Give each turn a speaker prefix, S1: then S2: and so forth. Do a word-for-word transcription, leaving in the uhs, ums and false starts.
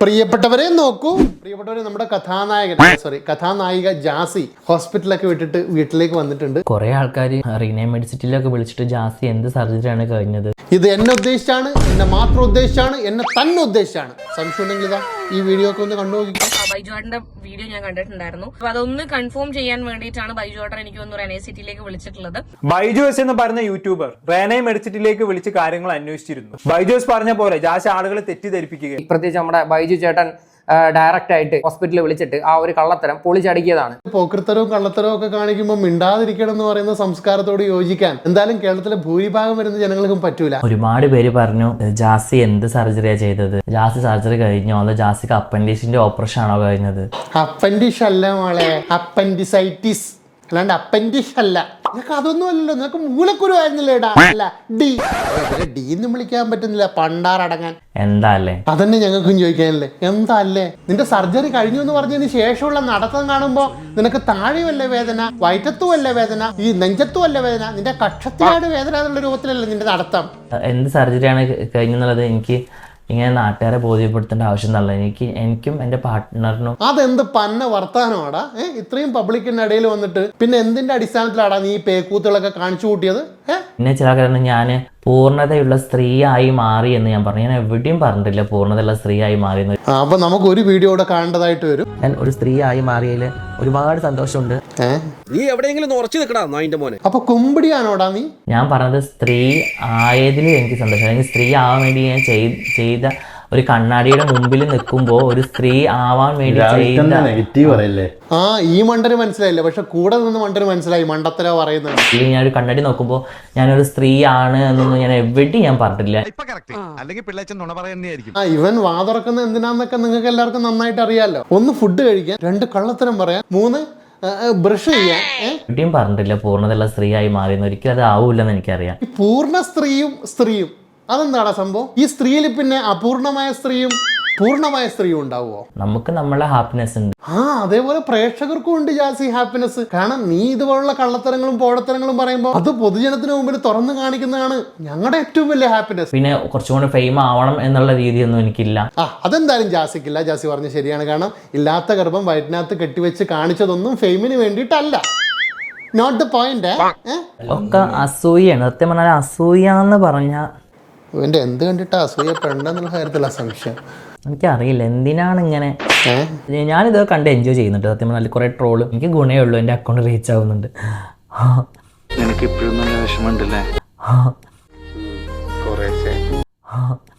S1: പ്രിയപ്പെട്ടവരെ നോക്കൂ, പ്രിയപ്പെട്ടവരെ നമ്മുടെ കഥാനായകൻ സോറി കഥാനായിക ജാസി ഹോസ്പിറ്റലൊക്കെ വിട്ടിട്ട് വീട്ടിലേക്ക് വന്നിട്ടുണ്ട്.
S2: കുറെ ആൾക്കാർ റീനെ മെഡിസിറ്റിയിലൊക്കെ വിളിച്ചിട്ട് ജാസി എന്ത് സർജറിയാണ് കഴിഞ്ഞത്,
S1: ഇത് എന്നെ ഉദ്ദേശിച്ചാണ്, എന്നെ മാത്രം ഉദ്ദേശിച്ചാണ്, എന്നെ തന്നെ ഉദ്ദേശിച്ചാണ്. സംശയം ഉണ്ടെങ്കിൽ ഇതാ ഈ വീഡിയോ ഒക്കെ ഒന്ന് കണ്ടു നോക്കിക്കോ.
S3: ബൈജുവാട്ടന്റെ വീഡിയോ ഞാൻ കണ്ടിട്ടുണ്ടായിരുന്നു. അപ്പൊ അതൊന്ന് കൺഫേം ചെയ്യാൻ വേണ്ടിയിട്ടാണ് ബൈജുവാട്ടൻ എനിക്ക് ഒന്ന് റെനെ സിറ്റിയിലേക്ക് വിളിച്ചിട്ടുള്ളത്.
S4: ബൈജോസ് എന്ന് പറയുന്ന യൂട്യൂബർ റെനെ മെഡിസിറ്റിയിലേക്ക് വിളിച്ച് കാര്യങ്ങൾ അന്വേഷിച്ചിരുന്നു. ബൈജോസ് പറഞ്ഞ പോലെ ജാസി ആളുകളെ തെറ്റിദ്ധരിപ്പിക്കുക.
S5: പ്രത്യേകിച്ച് നമ്മുടെ ബൈജു ചേട്ടൻ ഡയറക്റ്റ് ആയിട്ട് ഹോസ്പിറ്റലിൽ വിളിച്ചിട്ട് ആ ഒരു കള്ളത്തരം പൊളിച്ചടുക്കിയതാണ്.
S1: പോക്കൃത്തരവും കള്ളത്തരവും ഒക്കെ കാണിക്കുമ്പോൾ മിണ്ടാതിരിക്കണം എന്ന് പറയുന്ന സംസ്കാരത്തോട് യോജിക്കാൻ എന്തായാലും കേരളത്തിലെ ഭൂരിഭാഗം വരുന്ന ജനങ്ങൾക്കും പറ്റൂല.
S2: ഒരുപാട് പേര് പറഞ്ഞു ജാസി എന്ത് സർജറിയാ ചെയ്തത്, ജാസി സർജറി കഴിഞ്ഞോ അതോ ജാസിക്ക് അപ്പൻഡിക്സിന്റെ ഓപ്പറേഷൻ ആണോ കഴിഞ്ഞത്?
S1: അപ്പൻഡിഷ് അല്ല മോളെ, അപ്പൻഡിസൈറ്റിസ് അല്ലാണ്ട് അപ്പൻഡിഷ് അല്ല. നിനക്ക് അതൊന്നും അല്ലല്ലോ, നിനക്ക് മൂലക്കുരു ആയിരുന്നില്ലേടാ. അല്ല ഡി ഡി എന്ന് വിളിക്കാൻ പറ്റുന്നില്ല, പണ്ടാറടങ്ങാൻ.
S2: എന്താ അല്ലേ?
S1: അതന്നെ ഞങ്ങൾക്കും ചോദിക്കാനല്ലേ, എന്താ അല്ലേ? നിന്റെ സർജറി കഴിഞ്ഞു എന്ന് പറഞ്ഞതിന് ശേഷമുള്ള നടത്തം കാണുമ്പോ നിനക്ക് താഴെയല്ലേ വേദന, വയറ്റത്തും അല്ലേ വേദന, ഈ നെഞ്ചത്തും അല്ലേ വേദന, നിന്റെ കക്ഷത്തിലാണ് വേദന എന്നുള്ള രൂപത്തിലല്ലേ നിന്റെ നടത്തം.
S2: എന്ത് സർജറിയാണ് കഴിഞ്ഞെന്നുള്ളത് എനിക്ക് ഇങ്ങനെ നാട്ടുകാരെ ബോധ്യപ്പെടുത്തേണ്ട ആവശ്യം എന്നല്ല. എനിക്ക് എനിക്കും എൻ്റെ പാർട്ട്ണറിനും.
S1: അതെന്ത് പന്ന വർത്താനമാടാ? ഏഹ് ഇത്രയും പബ്ലിക്കിന്റെ ഇടയിൽ വന്നിട്ട് പിന്നെ എന്തിന്റെ അടിസ്ഥാനത്തിലാടാ നീ ഈ പേക്കൂത്തുകളൊക്കെ കാണിച്ചു കൂട്ടിയത്? ഏഹ്
S2: പിന്നെ ചില കാരണം ഞാൻ പൂർണ്ണതയുള്ള സ്ത്രീയായി മാറി എന്ന് ഞാൻ പറഞ്ഞു. ഞാൻ എവിടെയും പറഞ്ഞിട്ടില്ല പൂർണ്ണതയുള്ള സ്ത്രീയായി മാറി എന്ന്.
S1: അപ്പൊ നമുക്ക് ഒരു വീഡിയോ കൂടെ കാണേണ്ടതായിട്ട് വരും.
S2: ഞാൻ ഒരു സ്ത്രീയായി മാറിയതിൽ ഒരുപാട് സന്തോഷമുണ്ട്.
S6: നീ എവിടെയെങ്കിലും ഉറച്ചു നിൽക്കടാ നായിന്റെ മോനെ.
S1: അപ്പൊ കുമ്പിടിയാണോടാ നീ?
S2: ഞാൻ പറഞ്ഞത് സ്ത്രീ ആയതിൽ എനിക്ക് സന്തോഷം. അല്ലെങ്കിൽ സ്ത്രീ ആവാൻ വേണ്ടി ഞാൻ ചെയ്ത ഒരു കണ്ണാടിയുടെ മുമ്പിൽ നിൽക്കുമ്പോൾ ഒരു സ്ത്രീ ആവാൻ വേണ്ടി ചെയ്ത
S7: നെഗറ്റീവ് പറയല്ലേ.
S1: ആ ഈ മണ്ടന് മനസ്സിലായില്ല, പക്ഷെ കൂടെ നിന്ന് മണ്ടന് മനസ്സിലായി മണ്ടത്തര പറയുന്നത്.
S2: ഞാൻ ഒരു കണ്ണാടി നോക്കുമ്പോൾ ഞാനൊരു സ്ത്രീ ആണ് എന്നൊന്നും ഞാൻ എവിടെയും ഞാൻ പറഞ്ഞിട്ടില്ല.
S1: ആ ഇവൻ വാതുറക്കുന്ന എന്തിനാന്നൊക്കെ നിങ്ങൾക്ക് എല്ലാവർക്കും നന്നായിട്ട് അറിയാലോ. ഒന്ന് ഫുഡ് കഴിക്കാൻ, രണ്ട് കള്ളത്തരം പറയാൻ, മൂന്ന് ബ്രഷ് ചെയ്യാൻ.
S2: എവിടെയും പറഞ്ഞിട്ടില്ല പൂർണ്ണതയുള്ള സ്ത്രീയായി മാറിയെന്ന്. ഒരിക്കലും അത് ആവൂല്ലെന്ന് എനിക്കറിയാം.
S1: ഈ പൂർണ്ണ സ്ത്രീയും സ്ത്രീയും അതെന്താടാ സംഭവം? ഈ സ്ത്രീയിൽ പിന്നെ അപൂർണമായ സ്ത്രീയും പൂർണ്ണമായ സ്ത്രീയും ഉണ്ടാവുമോ?
S2: നമുക്ക് നമ്മളെ ഹാപ്പിനെസ് ഉണ്ട്.
S1: ആ അതേപോലെ പ്രേക്ഷകർക്കും ഉണ്ട് ജാസി ഹാപ്പിനെസ്. കാരണം നീ ഇതുപോലുള്ള കള്ളത്തരങ്ങളും പോടത്തരങ്ങളും പറയുമ്പോൾ അത് പൊതുജനത്തിന് മുമ്പിൽ തുറന്നു കാണിക്കുന്നതാണ് ഞങ്ങളുടെ ഏറ്റവും വലിയ ഹാപ്പിനെസ്.
S2: പിന്നെ കുറച്ചും കൂടെ ഫെയിം ആവണം എന്നുള്ള രീതിയൊന്നും എനിക്കില്ല.
S1: ആ അതെന്തായാലും ജാസിക്കില്ല. ജാസി പറഞ്ഞ ശരിയാണ്. കാരണം ഇല്ലാത്ത ഗർഭം വയറ്റിനകത്ത് കെട്ടിവെച്ച് കാണിച്ചതൊന്നും ഫെയിമിന് വേണ്ടിയിട്ടല്ല. Not the point.
S2: ഒക്കെ അസൂയാണ്. സത്യം പറഞ്ഞാൽ അസൂയ എന്ന് പറഞ്ഞാൽ
S1: ഇവന്റെ എന്ത് കണ്ടിട്ടാ അസൂയപ്പെടേണ്ടെന്നുള്ള കാര്യത്തില സംശയം.
S2: എനിക്കറിയില്ല എന്തിനാണ് ഇങ്ങനെ. ഞാനിത് കണ്ട് എൻജോയ് ചെയ്യുന്നുണ്ട്. സത്യം പറഞ്ഞാൽ കുറെ ട്രോള് എനിക്ക് ഗുണേ ഉള്ളൂ. എൻ്റെ അക്കൗണ്ട് റീച്ച് ആവുന്നുണ്ട്.
S7: എനിക്ക് ഇപ്പോഴും നല്ല വിഷമമുണ്ടല്ലേ?